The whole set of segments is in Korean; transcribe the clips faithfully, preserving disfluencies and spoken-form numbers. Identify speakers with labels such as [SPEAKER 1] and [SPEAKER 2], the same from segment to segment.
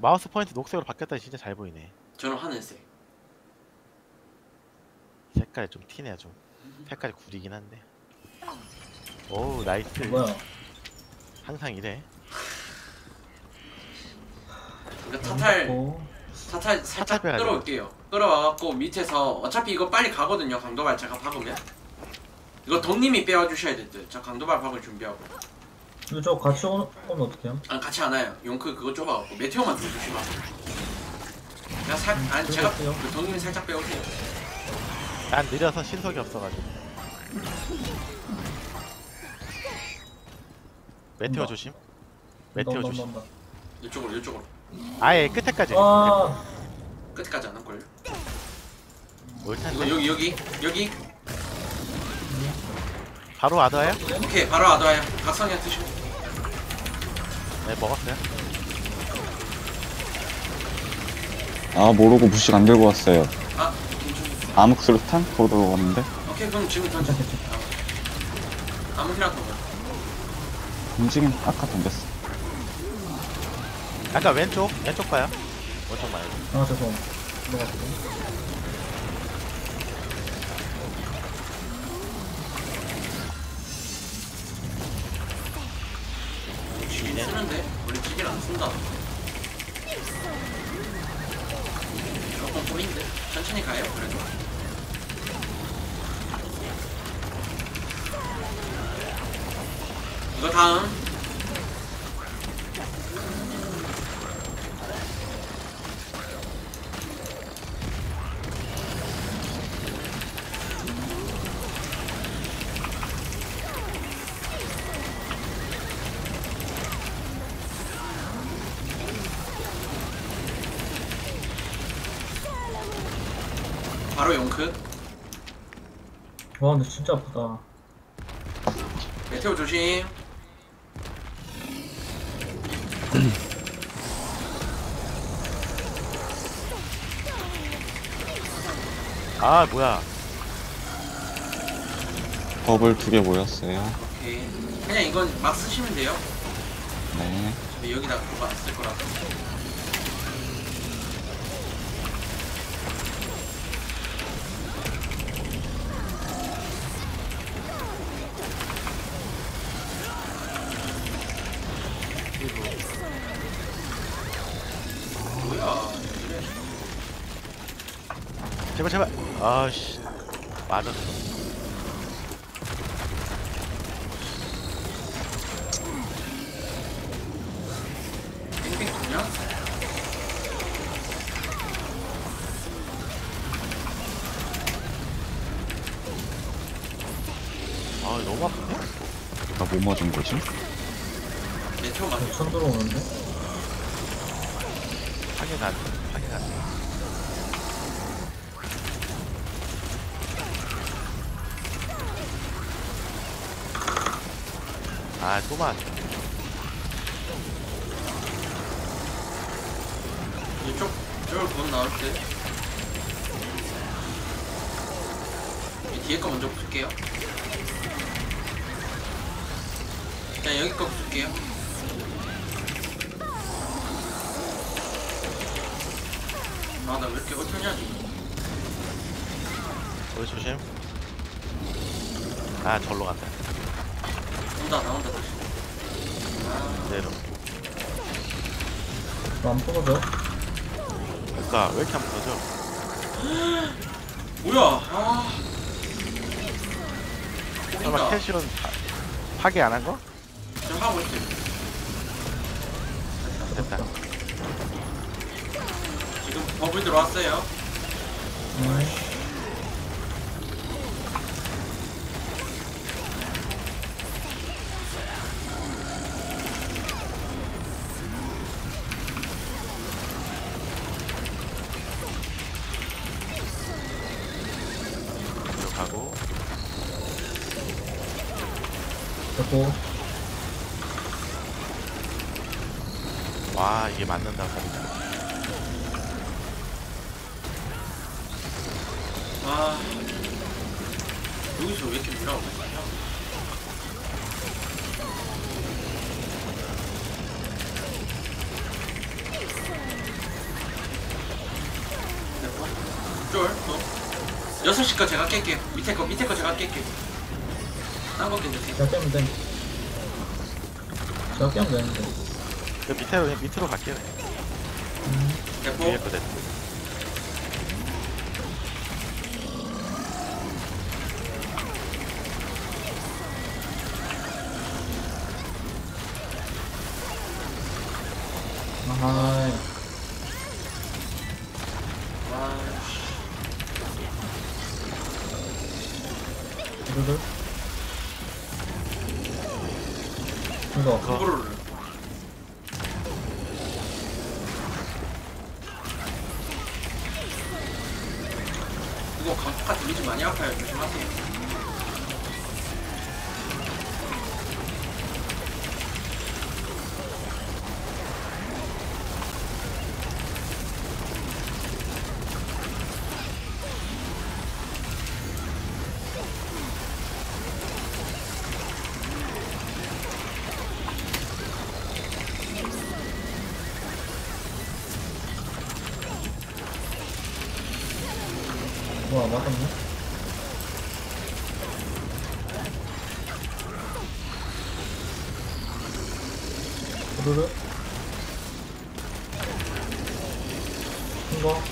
[SPEAKER 1] 마우스 포인트 녹색으로 바뀌었다니 진짜 잘 보이네.
[SPEAKER 2] 저는 하늘색.
[SPEAKER 1] 색깔이 좀 티네요 좀. 색깔이 구리긴 한데. 오우 나이스.
[SPEAKER 3] 뭐야?
[SPEAKER 1] 항상 이래.
[SPEAKER 2] 이거 타탈
[SPEAKER 3] 어,
[SPEAKER 2] 타탈
[SPEAKER 1] 타탈
[SPEAKER 2] 살짝
[SPEAKER 1] 빼가지고.
[SPEAKER 2] 끌어올게요. 끌어와갖고 밑에서 어차피 이거 빨리 가거든요. 강도발 제가 박으면. 이거 덕님이 빼와주셔야 될 듯. 저 강도발 박을 준비하고.
[SPEAKER 3] 근데 저 같이 오, 오면 어떡해요?
[SPEAKER 2] 아 같이 안 와요. 용크 그거 좁아갖고 메테오만 좀 조심하고. 제가 살 아니 제가
[SPEAKER 3] 그러겠어요.
[SPEAKER 2] 그 덕님이 살짝 빼오세요.
[SPEAKER 1] 난 느려서 신속이 없어가지고. 메테오
[SPEAKER 3] 온다.
[SPEAKER 1] 조심. 메테오
[SPEAKER 3] 온다,
[SPEAKER 1] 조심.
[SPEAKER 3] 온다, 온다.
[SPEAKER 2] 이쪽으로 이쪽으로.
[SPEAKER 1] 아예 끝에까지.
[SPEAKER 3] 아,
[SPEAKER 2] 끝까지 안 올걸요.
[SPEAKER 1] 올
[SPEAKER 2] 이거
[SPEAKER 1] 텐데.
[SPEAKER 2] 여기 여기 여기.
[SPEAKER 1] 바로 와드와요?
[SPEAKER 2] 오케이 바로 와둬요. 각성량 드시고.
[SPEAKER 1] 네 먹었어요.
[SPEAKER 4] 아 모르고 부식 안 들고 왔어요.
[SPEAKER 2] 아 괜찮.
[SPEAKER 4] 암흑 수류탄? 그거 들고 왔는데
[SPEAKER 2] 오케이 그럼 지금 던져. 아, 아무 필요 없는 거야.
[SPEAKER 4] 움직임 아까 던졌어.
[SPEAKER 1] 약간 왼쪽 왼쪽 봐요. 오른쪽 말고.
[SPEAKER 3] 아 죄송. 넘어갔어.
[SPEAKER 2] 지긴 쓰는데 원래 지긴 안 쓴다. 조금 꼬인데 천천히 가요. 그래도. 이거 다음. 바로 용크.
[SPEAKER 3] 와 근데 진짜 아프다.
[SPEAKER 2] 메테오 조심.
[SPEAKER 1] 아 뭐야.
[SPEAKER 4] 버블 두 개 모였어요.
[SPEAKER 2] 오케이. 그냥 이건 막 쓰시면 돼요.
[SPEAKER 4] 네.
[SPEAKER 2] 어차피 여기다 그거 안 쓸 거라서. 뭐야? 이래.
[SPEAKER 1] 제발 제발. 아씨. 맞았어.
[SPEAKER 2] 빙빙 도냐?
[SPEAKER 1] 아 너무 아픈데?
[SPEAKER 4] 나 뭐 맞은 거지?
[SPEAKER 2] 메테오 맞아.
[SPEAKER 3] 천 들어오는데?
[SPEAKER 1] 확인 안 돼. 확인 안 돼. 아 또 맞.
[SPEAKER 2] 이쪽 저걸 곧 나올 때. 이 뒤에 거 먼저 풀게요. 자 여기 거 풀게요. 아 나 왜 이렇게 어쩌냐 지금.
[SPEAKER 1] 우리 조심. 아 절로 간다.
[SPEAKER 2] 온다 나온다 다시. 아
[SPEAKER 1] 그대로.
[SPEAKER 3] 안 부서져?
[SPEAKER 1] 그니까 왜 이렇게 안 부서져?
[SPEAKER 2] 뭐야? 아.
[SPEAKER 1] 설마
[SPEAKER 2] 꼬인다.
[SPEAKER 1] 캐시온 파- 파괴 안 한 거?
[SPEAKER 2] 지금 하고 있어요.
[SPEAKER 1] 됐다.
[SPEAKER 2] 지금 버블 들어왔어요.
[SPEAKER 3] 응.
[SPEAKER 1] 가고.
[SPEAKER 3] 됐고.
[SPEAKER 1] 와 이게 맞는다 소리가.
[SPEAKER 2] 아 여기서 왜 이렇게 밀어오는 거야? 쫄, 또. 여섯 시 거 제가 깰게요. 밑에 거, 밑에 거 제가 깰게요. 딴거 깨주세요.
[SPEAKER 3] 제가 깨면 돼. 제가 깨면 되는데.
[SPEAKER 1] 그 밑으로 그냥 밑으로 갈게요.
[SPEAKER 2] 대포.
[SPEAKER 1] 위에 거 됐.
[SPEAKER 3] 아하이.
[SPEAKER 2] 와씨.
[SPEAKER 3] 두두두. 이거.
[SPEAKER 2] 그거를. 이거 강폭 데미지 많이 아파요. 조심하세요.
[SPEAKER 3] 뭐야, 맞았네? 두루루. 이거.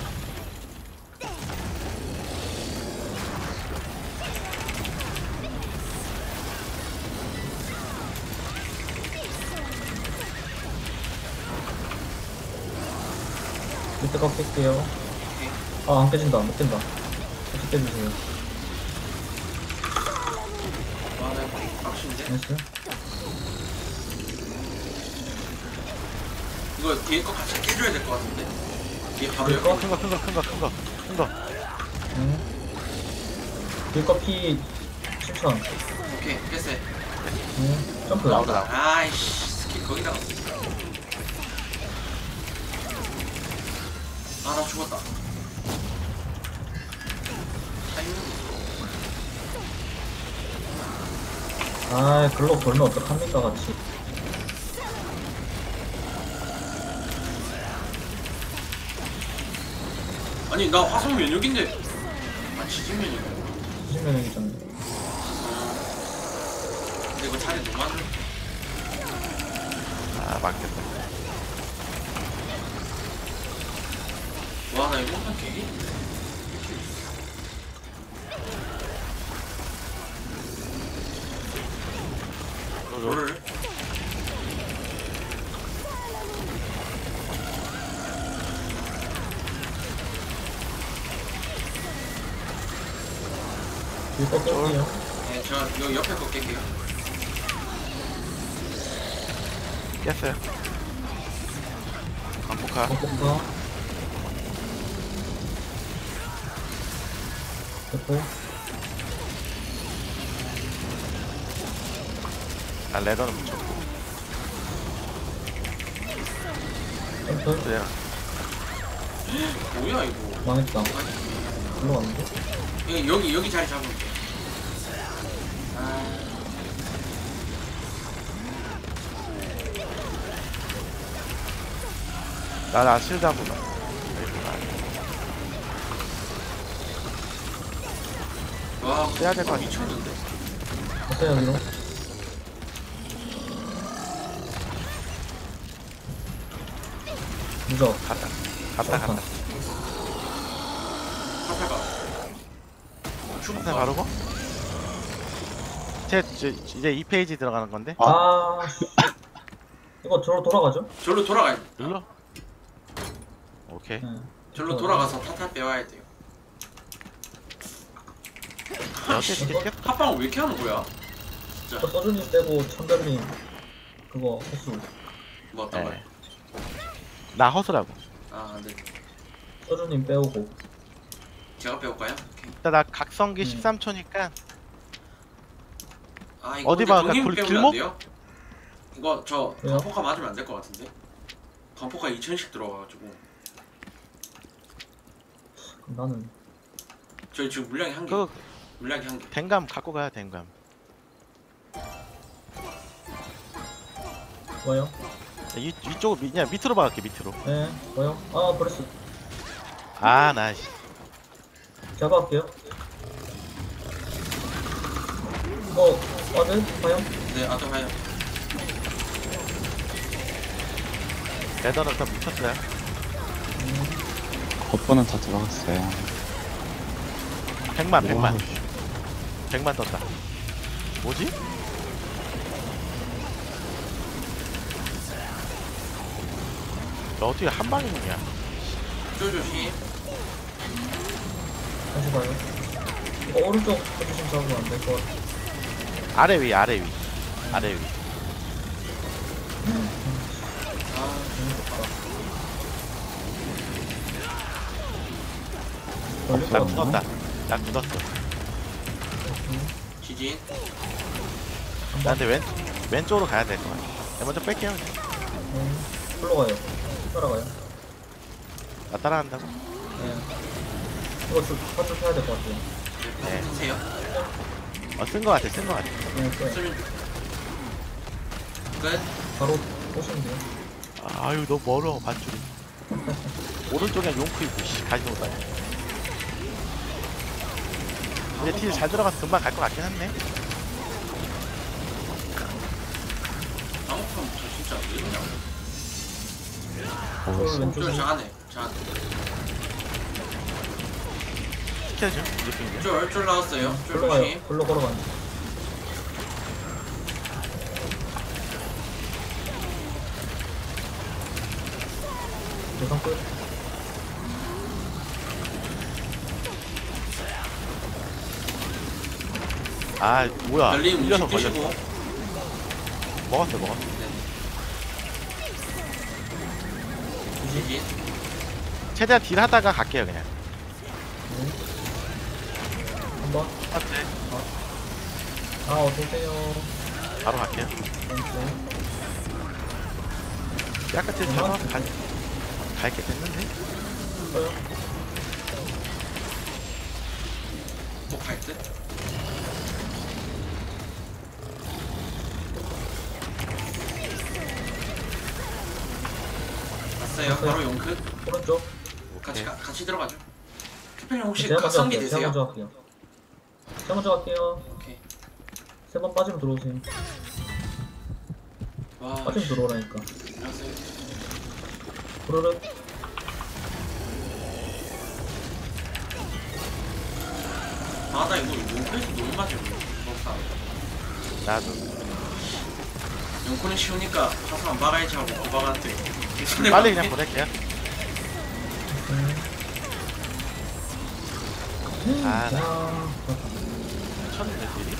[SPEAKER 3] 밑에 거 깰게요. 아, 안 깨진다. 못 깬다. 다시 깨주세요.
[SPEAKER 2] 와, 나 빡신데?
[SPEAKER 3] 나이스.
[SPEAKER 2] 이거 뒤에 거 같이 깨줘야 될 것 같은데? 뒤에 바로
[SPEAKER 3] 뒤에
[SPEAKER 2] 옆에
[SPEAKER 3] 거?
[SPEAKER 1] 큰 거 큰 거 큰 거 큰 거 큰 거.
[SPEAKER 3] 응. 뒤거 피 칠천.
[SPEAKER 2] 오케이, 깼어요.
[SPEAKER 3] 응. 점프.
[SPEAKER 1] 나오다 나오다.
[SPEAKER 2] 아이씨, 스킬 거기다가. 아, 나 죽었다. 타이밍.
[SPEAKER 3] 아, 글로 돌면 어떡합니까, 같이.
[SPEAKER 2] 아니, 나 화성 면역인데. 아, 지진 면역.
[SPEAKER 3] 이십 명이잖아.
[SPEAKER 2] 근데 이거 자리 너무 많네.
[SPEAKER 1] 아 맞겠다.
[SPEAKER 2] 와, 나 이거 한판 개기인데. 뭐를?
[SPEAKER 3] 뒤거 깰게요.
[SPEAKER 2] 네, 저 이거 옆에 거 깰게요.
[SPEAKER 1] 깼어요. 강폭화.
[SPEAKER 3] 꺾어서. 됐고.
[SPEAKER 1] 아 레더는 붙였고.
[SPEAKER 3] 점프.
[SPEAKER 1] 그래요.
[SPEAKER 2] 뭐야, 이거.
[SPEAKER 3] 망했다.
[SPEAKER 2] 아니,
[SPEAKER 3] 글로 갔는데?
[SPEAKER 2] 여기, 여기, 여기 자리 잡을게. 아.
[SPEAKER 1] 나나 실드 한 번만.
[SPEAKER 2] 와,
[SPEAKER 1] 빼야 될것 같아.
[SPEAKER 2] 미쳤는데?
[SPEAKER 3] 어때요, 여기로? 무적.
[SPEAKER 1] 갔다 갔다 갔다.
[SPEAKER 2] 사사가.
[SPEAKER 1] 하나
[SPEAKER 2] 죽었다.
[SPEAKER 1] 바르고. 제 이제 이제 이 페이지 들어가는 건데.
[SPEAKER 3] 아, 씨. 이거 저로 돌아가죠?
[SPEAKER 2] 절로 돌아가야 돼.
[SPEAKER 1] 눌러. 오케이.
[SPEAKER 3] 네.
[SPEAKER 2] 절로 돌아가서 타탈 빼와야 돼요.
[SPEAKER 1] 어떻게 이렇게 깼?
[SPEAKER 2] 합방을 왜 이렇게 하는 거야?
[SPEAKER 3] 저
[SPEAKER 2] 진짜.
[SPEAKER 3] 서준님 빼고 천별님 그거 횟수.
[SPEAKER 2] 뭐 어떤 거야?
[SPEAKER 1] 네. 나 허수라고.
[SPEAKER 2] 아, 네.
[SPEAKER 3] 서준님 빼오고.
[SPEAKER 2] 제가 빼올까요? 오케이.
[SPEAKER 1] 일단 나 각성기
[SPEAKER 3] 음.
[SPEAKER 1] 십삼 초니까
[SPEAKER 2] 아, 이거
[SPEAKER 1] 어디
[SPEAKER 2] 근데
[SPEAKER 1] 봐,
[SPEAKER 2] 동님
[SPEAKER 1] 그
[SPEAKER 2] 빼면
[SPEAKER 1] 길목?
[SPEAKER 2] 안 돼요? 이거 저
[SPEAKER 3] 왜요?
[SPEAKER 2] 강포카 맞으면 안 될 것 같은데? 강포카 이천씩 들어가가지고
[SPEAKER 3] 나는
[SPEAKER 2] 저희 지금 물량이 한 개.
[SPEAKER 1] 그
[SPEAKER 2] 물량이 한 개.
[SPEAKER 1] 댕감 갖고 가야 댕감.
[SPEAKER 3] 뭐요?
[SPEAKER 1] 이 이쪽 그냥 밑으로 박을게 밑으로.
[SPEAKER 3] 네, 뭐요? 아, 브레스.
[SPEAKER 1] 아 나. 씨.
[SPEAKER 3] 제가 할게요. 이거, 와드? 과연?
[SPEAKER 2] 네, 아또 가요.
[SPEAKER 1] 레더는 다 묻혔어요.
[SPEAKER 4] 겉보는 다 들어갔어요.
[SPEAKER 1] 백만 백만.
[SPEAKER 4] 와우.
[SPEAKER 1] 백만 떴다. 뭐지? 너 어떻게 한 방에 먹냐?
[SPEAKER 2] 쫄 조심.
[SPEAKER 3] 다시 봐요. 이거 오른쪽 포지션 잡으면 안 될 것 같아.
[SPEAKER 1] 아래 위 아래 위 아래 위.
[SPEAKER 2] 아,
[SPEAKER 3] 재밌겠다. 걸릴
[SPEAKER 1] 나
[SPEAKER 3] 것
[SPEAKER 1] 굳었다.
[SPEAKER 3] 같나?
[SPEAKER 1] 나 굳었어.
[SPEAKER 2] 지진.
[SPEAKER 1] 나 근데 왼 왼쪽으로 가야 될 것 같아. 내가 먼저 뺄게요. 그냥.
[SPEAKER 3] 음, 풀로 가요. 따라가요.
[SPEAKER 1] 나 따라간다고?
[SPEAKER 3] 네. 이거 좀 파출 해야 될 것 같아요.
[SPEAKER 1] 네.
[SPEAKER 2] 드세요.
[SPEAKER 1] 어 쓴 거 같아 쓴 거 같아.
[SPEAKER 3] 네, 네.
[SPEAKER 2] 쓰면 끝.
[SPEAKER 3] 바로 오시면 돼요.
[SPEAKER 1] 아유 너무 멀어 반줄이. 오른쪽에 용크 있고 씨 가지 못하네 근데 딜 잘 들어가서 금방 갈 것 같긴 한데.
[SPEAKER 2] 아무튼 저 진짜 왜 이러냐.
[SPEAKER 4] 어,
[SPEAKER 3] 쫄 왼쪽에.
[SPEAKER 2] 쫄 잘하네. 잘하네.
[SPEAKER 1] 시켜줘 느낌이야.
[SPEAKER 2] 쫄, 쫄 나왔어요. 쫄
[SPEAKER 3] 풀로 가요.
[SPEAKER 2] 조심.
[SPEAKER 3] 풀로 걸어가요. 대상 끝.
[SPEAKER 1] 아 뭐야?
[SPEAKER 2] 열림
[SPEAKER 1] 밀려서
[SPEAKER 2] 음식
[SPEAKER 1] 걸렸어.
[SPEAKER 2] 드시고.
[SPEAKER 1] 먹었어 먹었어.
[SPEAKER 2] 네. 지진.
[SPEAKER 1] 최대한 딜 하다가 갈게요 그냥.
[SPEAKER 3] 네. 한 번.
[SPEAKER 1] 맞지?
[SPEAKER 3] 아, 어서오세요.
[SPEAKER 1] 바로 갈게요.
[SPEAKER 3] 네.
[SPEAKER 1] 약간 딜 잡아서 갈 갈게 됐는데.
[SPEAKER 3] 써요.
[SPEAKER 2] 뭐갈 듯? 왔어요.
[SPEAKER 3] 왔어요.
[SPEAKER 2] 바로 용크.
[SPEAKER 3] 오른쪽.
[SPEAKER 2] 같이
[SPEAKER 1] 오케이.
[SPEAKER 2] 가, 같이 들어가죠. 캐필님 혹시
[SPEAKER 3] 제가 먼저
[SPEAKER 2] 각성기
[SPEAKER 3] 할게요. 제가
[SPEAKER 2] 되세요?
[SPEAKER 3] 먼저 할게요. 제가 먼저 할게요.
[SPEAKER 2] 오케이.
[SPEAKER 3] 세 번 빠지면 들어오세요.
[SPEAKER 2] 와.
[SPEAKER 3] 빠지면 들어오라니까.
[SPEAKER 2] 안녕하세요.
[SPEAKER 3] 부르륵.
[SPEAKER 2] 아, 나 이거 용코에서 너무 맞지 못하.
[SPEAKER 1] 나도.
[SPEAKER 2] 용코는 쉬우니까 가서 안 박아야지 하고 고박한테. 손에
[SPEAKER 1] 빨리
[SPEAKER 2] 박게.
[SPEAKER 1] 그냥 보낼게요.
[SPEAKER 3] 음.
[SPEAKER 1] 아, 나
[SPEAKER 3] 아,
[SPEAKER 1] 미쳤는데 딜이.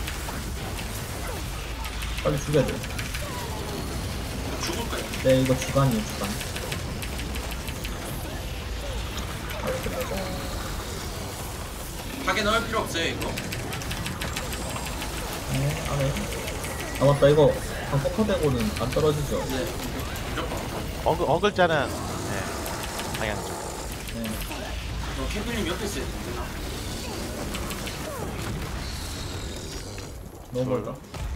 [SPEAKER 3] 빨리 죽여야 돼.
[SPEAKER 2] 죽을 거야.
[SPEAKER 3] 네, 이거 주간이에요, 주간. 빨리 끝내자.
[SPEAKER 2] 하게 넣을 필요 없어요 이거.
[SPEAKER 3] 네, 안에. 아, 맞다, 이거. 방폭화되고는 안 떨어지죠?
[SPEAKER 2] 네. 무조건.
[SPEAKER 1] 어글 어글자는 네 방향 쪽.
[SPEAKER 3] 네.
[SPEAKER 2] 너 캐필님 옆에 있어야 되나?
[SPEAKER 3] 너무 멀다.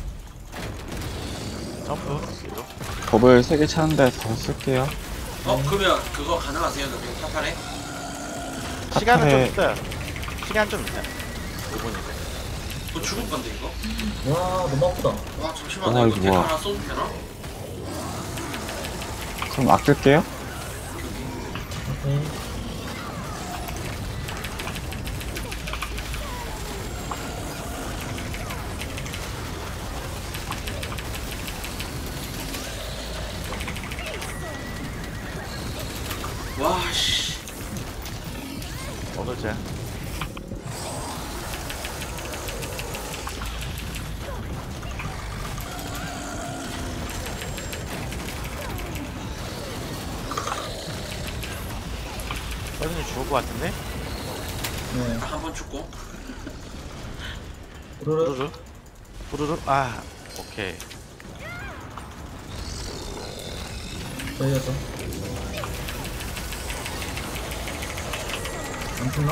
[SPEAKER 1] 점프. 뒤로.
[SPEAKER 4] 법을 세 개 차는데 더 쓸게요.
[SPEAKER 2] 어 그러면 그거 가능하세요? 너 그냥 타팔에?
[SPEAKER 1] 시간은 좀
[SPEAKER 4] 타탈에-
[SPEAKER 1] 있어요. 시간 좀 있어요. 오 분이.
[SPEAKER 2] 너 죽을 건데 이거?
[SPEAKER 3] 와, 너무 아프다.
[SPEAKER 2] 와 잠시만
[SPEAKER 4] 와,
[SPEAKER 2] 나 이거
[SPEAKER 4] 이거
[SPEAKER 2] 대파
[SPEAKER 4] 뭐야.
[SPEAKER 2] 하나 쏘도 되나?
[SPEAKER 4] 그럼 아낄게요.
[SPEAKER 3] 오케이.
[SPEAKER 2] 와씨.
[SPEAKER 1] 어글자. 서준이 죽을 것 같은데?
[SPEAKER 3] 네.
[SPEAKER 2] 한 번 죽고.
[SPEAKER 3] 부르륵.
[SPEAKER 1] 부르르. 부르르. 아 오케이.
[SPEAKER 3] 저희가죠. 안 죽나?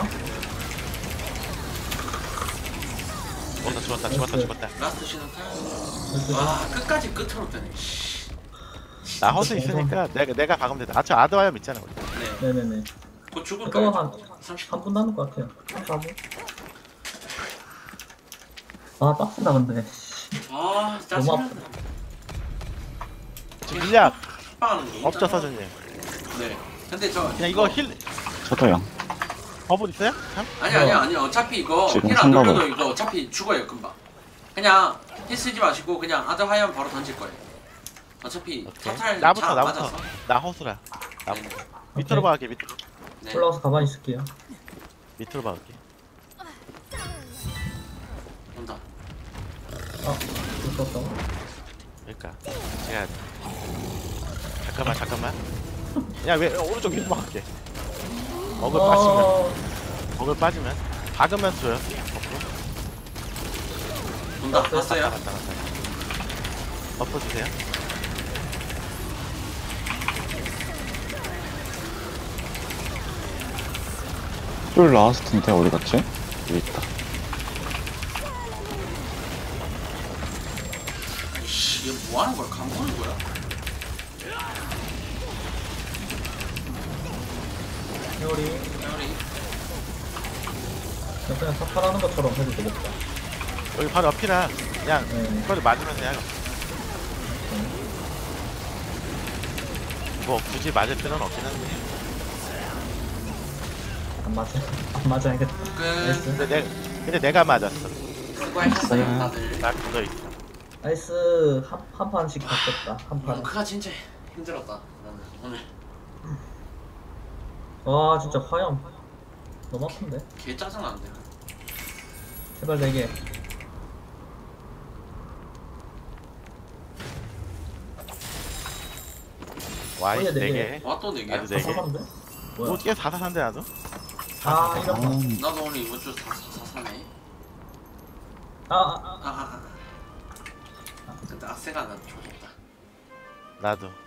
[SPEAKER 1] 죽었다 죽었다 죽었다 죽었다.
[SPEAKER 2] 라스트 신호 타요.
[SPEAKER 3] 열두 시.
[SPEAKER 2] 와 끝까지 끝으로 뜨네. 씨.
[SPEAKER 1] 나 허수 있으니까 내가 내가 박으면 돼. 아저 아드와이엄 있잖아. 우리.
[SPEAKER 2] 네.
[SPEAKER 3] 네네네.
[SPEAKER 2] 곧 죽을
[SPEAKER 3] 이거
[SPEAKER 2] 거예요.
[SPEAKER 3] 한
[SPEAKER 2] 삼십
[SPEAKER 3] 삼 분 남을 것 같아요. 사 분. 아 빡세다 근데.
[SPEAKER 2] 아
[SPEAKER 3] 너무
[SPEAKER 2] 짜증나.
[SPEAKER 1] 지금 물약
[SPEAKER 2] 빡하는 거.
[SPEAKER 1] 없죠 서준님.
[SPEAKER 2] 네. 근데 저
[SPEAKER 1] 그냥 이거 힐
[SPEAKER 4] 저도요.
[SPEAKER 1] 버블 있어요? 참?
[SPEAKER 2] 아니 아니 아니 어차피 이거
[SPEAKER 4] 지금
[SPEAKER 2] 힐 안
[SPEAKER 4] 삼각을.
[SPEAKER 2] 돌려도 이거 어차피 죽어요 금방. 그냥 힐 쓰지 마시고 그냥 아드 하이엄 바로 던질 거예요. 어차피
[SPEAKER 1] 오케이.
[SPEAKER 2] 토탈
[SPEAKER 1] 나부터
[SPEAKER 2] 잘
[SPEAKER 1] 나부터.
[SPEAKER 2] 맞아서.
[SPEAKER 1] 나 허수라. 나
[SPEAKER 2] 네.
[SPEAKER 1] 밑으로 박을게 밑으로.
[SPEAKER 2] 네.
[SPEAKER 3] 올라가서 가만히 있을게요.
[SPEAKER 1] 밑으로 박을게.
[SPEAKER 2] 온다.
[SPEAKER 3] 아 죽었다.
[SPEAKER 1] 그러니까 제가 잠깐만 잠깐만. 야 왜 오른쪽 위로 박을게. 먹을 빠지면
[SPEAKER 3] 어...
[SPEAKER 1] 먹을 빠지면 박으면 줘요. 버프.
[SPEAKER 2] 온다.
[SPEAKER 3] 왔어요?
[SPEAKER 2] 봤어요?
[SPEAKER 1] 갔다 갔다. 버프 주세요.
[SPEAKER 4] 쫄 나왔을 텐데 어디 갔지? 여기 있다.
[SPEAKER 2] 씨, 얘 뭐 하는 거야? 감 보는 거야?
[SPEAKER 3] 회오리
[SPEAKER 2] 회오리.
[SPEAKER 3] 그냥 사파라는 것처럼 해도 되겠다.
[SPEAKER 1] 여기 바로 옆이라 그냥
[SPEAKER 3] 네.
[SPEAKER 1] 이거를 맞으면 돼요. 뭐 굳이 맞을 필요는 없긴 한데.
[SPEAKER 3] 안 맞아. 안 맞아야겠다.
[SPEAKER 2] 끝.
[SPEAKER 3] 나이스.
[SPEAKER 1] 근데 내 근데 내가 맞았어.
[SPEAKER 2] 수고하셨어요
[SPEAKER 4] 네.
[SPEAKER 2] 다들.
[SPEAKER 1] 나 굳어 있어.
[SPEAKER 3] 나이스. 한, 한 판씩 바꿨다. 한 판.
[SPEAKER 2] 몽크가 진짜 힘들었다. 나는 오늘
[SPEAKER 3] 와 진짜 화염. 너무 아픈데?
[SPEAKER 2] 개 짜증나는데.
[SPEAKER 3] 제발 네 개.
[SPEAKER 1] 와이
[SPEAKER 3] 어디야, 네
[SPEAKER 1] 네
[SPEAKER 3] 개?
[SPEAKER 1] 개.
[SPEAKER 2] 와 또 네 개야?
[SPEAKER 1] 나도 네 개.
[SPEAKER 3] 사사인데? 뭐야?
[SPEAKER 1] 어떻게 사사산데 나도?
[SPEAKER 3] 아
[SPEAKER 4] 아,
[SPEAKER 3] 이런 거.
[SPEAKER 2] 나도 오늘 이번 주 사, 사사네.
[SPEAKER 3] 아, 아, 아.
[SPEAKER 2] 아아아. 근데 악세가 난 좋았다.
[SPEAKER 1] 나도.